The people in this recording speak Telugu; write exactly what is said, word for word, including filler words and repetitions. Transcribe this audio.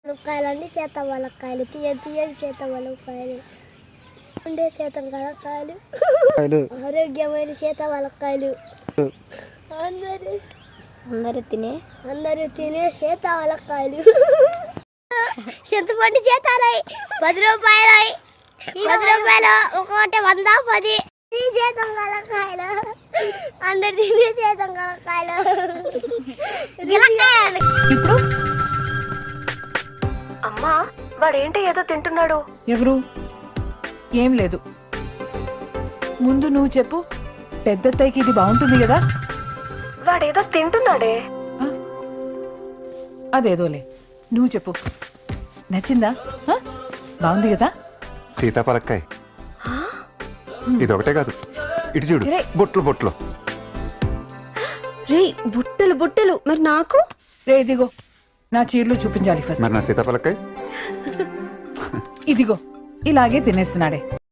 ములక్కాయలు చేత ములక్కాయలు తీయ తీయని చేత ములక్కాయలు ఉండే చేత ములక్కాయలు ఆరోగ్యమైన చేత ములక్కాయలు అందరూ అందరూ తినే అందరూ తినే చేత ములక్కాయలు చింతపండు చేతాలై పది రూపాయలు పది రూపాయలు ఒక్కొక్కటి వంద పది చేతం ములక్కాయలు అందరు తినే చేతం ములక్కాయలు ఇప్పుడు అమ్మా వాడేంటి ఏదో తింటున్నాడు. ఎవరు? ఏం లేదు. ముందు నువ్వు చెప్పు, పెద్దత్తయ్యకి ఇది బాగుంటుంది కదా? వాడేదో తింటున్నాడే. ఆ? అదేదోలే, నువ్వు చెప్పు. నచ్చిందా? ఆ? బాగుంది కదా? సీతాఫలక్కాయ ఇది ఒకటే కాదు, ఇటు చూడు, రే. బొట్లు బొట్లు. రే బుట్టలు బుట్టలు. మరి నాకు రే ఇదిగో, నా చీరలు చూపించాలి ఫస్ట్. మరి నా సీతాఫలక్కాయ ఇదిగో, ఇలాగే తినేస్తున్నాడే.